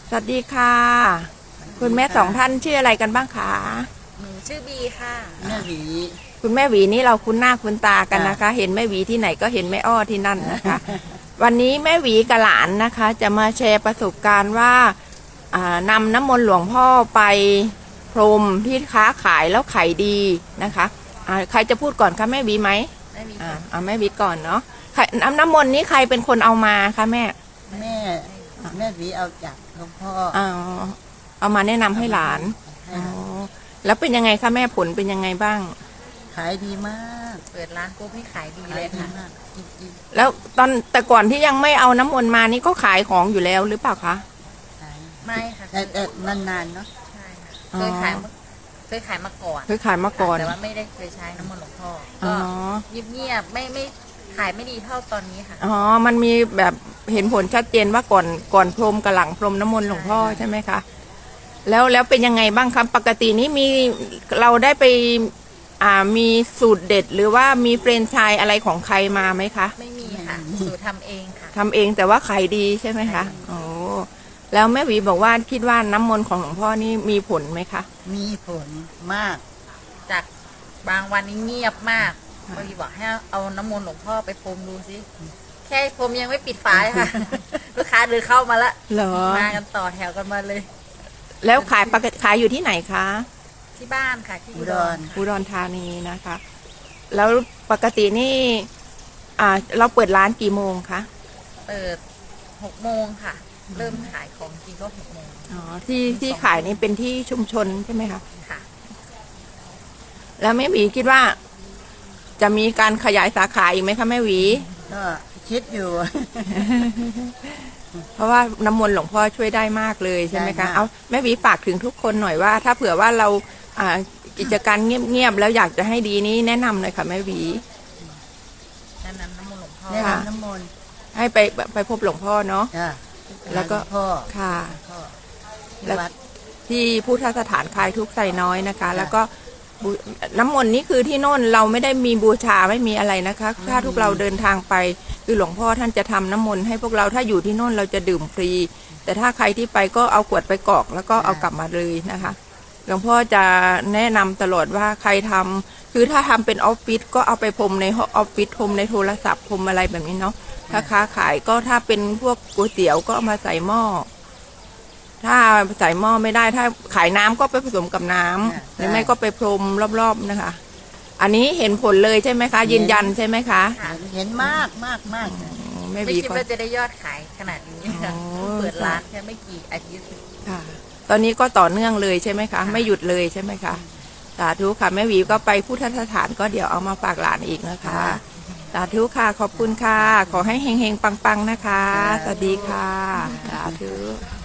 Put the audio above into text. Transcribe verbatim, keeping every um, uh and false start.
สวัสดีค่ะคุณแม่สองท่านชื่ออะไรกันบ้างคะหนูชื่อบีค่ะแม่หวีคุณแม่หวีนี่เราคุ้นหน้าคุ้นตากันนะคะ เห็นแม่หวีที่ไหนก็เห็นแม่อ้อที่นั่นนะคะ วันนี้แม่หวีกับหลานนะคะ จะมาแชร์ประสบการณ์ว่านำน้ำมนต์หลวงพ่อไปพรมที่ค้าขายแล้วขายดีนะคะใครจะพูดก่อนคะแม่หวีไหมแม่หวีอ่าเอาแม่หวีก่อนเนาะน้ำน้ำมนต์นี้ใครเป็นคนเอามาคะแม่แม่แม่หวีเอาจากหลวงพ่ออ๋อเอามาแนะนำให้หลานอ๋อแล้วเป็นยังไงคะแม่ผลเป็นยังไงบ้างขายดีมากเปิดร้านปุ๊บให้ขายดีเลยค่ะแล้วตอนแต่ก่อนที่ยังไม่เอาน้ำมนต์มานี่ก็ขายของอยู่แล้วหรือเปล่าคะไม่ค่ะแต่แต่นานๆเนาะใช่ค่ะเคยขายเคยขายมาก่อนเคยขายมาก่อนแต่ว่าไม่ได้เคยใช้น้ำมนต์หลวงพ่อก็เงียบๆไม่ไม่ขายไม่ดีเท่าตอนนี้ค่ะอ๋อมันมีแบบเห็นผลชัดเจนว่าก่อนก่อนพรมกับหลังพรมน้ำมนต์หลวงพ่อใช่ไหมคะแล้วแล้วเป็นยังไงบ้างครับปกตินี้มีเราได้ไปอ่ามีสูตรเด็ดหรือว่ามีเฟรนไชส์อะไรของใครมาไหมคะไม่มีค่ะสูตรทำเองค่ะทำเองแต่ว่าขายดีใช่ไหมคะโอ้แล้วแม่หวีบอกว่าคิดว่าน้ำมนต์ของหลวงพ่อนี่มีผลไหมคะมีผลมากจากบางวันนี้เงียบมากพอดีบอกให้เอาน้ำมนต์หลวงพ่อไปพรมดูสิแค่พรมยังไม่ปิดฝาค่ะลูกค้าเดินเข้ามาละมากันต่อแถวกันมาเลยแล้วขายปกติขายอยู่ที่ไหนคะที่บ้านค่ะที่อุดรอุดรธานีนะคะแล้วปกตินี่อ่าเราเปิดร้านกี่โมงคะเปิดหกโมงค่ะเริ่มขายของจริงก็หกโมงอ๋อที่ที่ขายนี่เป็นที่ชุมชนใช่ไหมคะค่ะแล้วแม่หวีคิดว่าจะมีการขยายสาขาอีกไหมคะแม่หวีก็คิดอยู่เพราะว่าน้ำมนต์หลวงพ่อช่วยได้มากเลยใช่ไหมคะเอาแม่หวีฝากถึงทุกคนหน่อยว่าถ้าเผื่อว่าเราอ่ากิจการเงียบๆแล้วอยากจะให้ดีนี้แนะนำเลยค่ะแม่หวีแนะนำน้ำมนต์หลวงพ่อแนะนำน้ำมนต์ให้ไปไปพบหลวงพ่อเนาะแล้วก็พ่อค่ะแล้วที่พุทธสถานคลายทุกข์ไซน้อยนะคะแล้วก็น้ำมนต์นี่คือที่โน่นเราไม่ได้มีบูชาไม่มีอะไรนะคะถ้าทุกเราเดินทางไปคือหลวงพ่อท่านจะทำน้ำมนต์ให้พวกเราถ้าอยู่ที่โน่นเราจะดื่มฟรีแต่ถ้าใครที่ไปก็เอาขวดไปกรอกแล้วก็เอากลับมาเลยนะคะหลวงพ่อจะแนะนำตลอดว่าใครทำคือถ้าทำเป็นออฟฟิศก็เอาไปพรมในออฟฟิศพรมในโทรศัพท์พรมอะไรแบบนี้เนาะถ้าค้าขายก็ถ้าเป็นพวกก๋วยเตี๋ยวก็เอามาใส่หม้อถ้าใส่หม้อไม่ได้ถ้าขายน้ำก็ไปผสมกับน้ำหรือไม่ก็ไปพรมรอบๆนะคะอันนี้เห็นผลเลยใช่ไหมคะยืนยันใช่ไหมคะเห็นมากมากมากไม่คิดว่าจะได้ยอดขายขนาดนี้ค่ะเปิดร้านแค่ไม่กี่อาทิตย์ค่ะตอนนี้ก็ต่อเนื่องเลยใช่ไหมคะไม่หยุดเลยใช่ไหมคะสาธุค่ะแม่หวีก็ไปพุทธสถานก็เดี๋ยวเอามาฝากหลานอีกนะคะสาธุค่ะขอบคุณค่ะขอให้เฮงๆปังๆนะคะสวัสดีค่ะสาธุ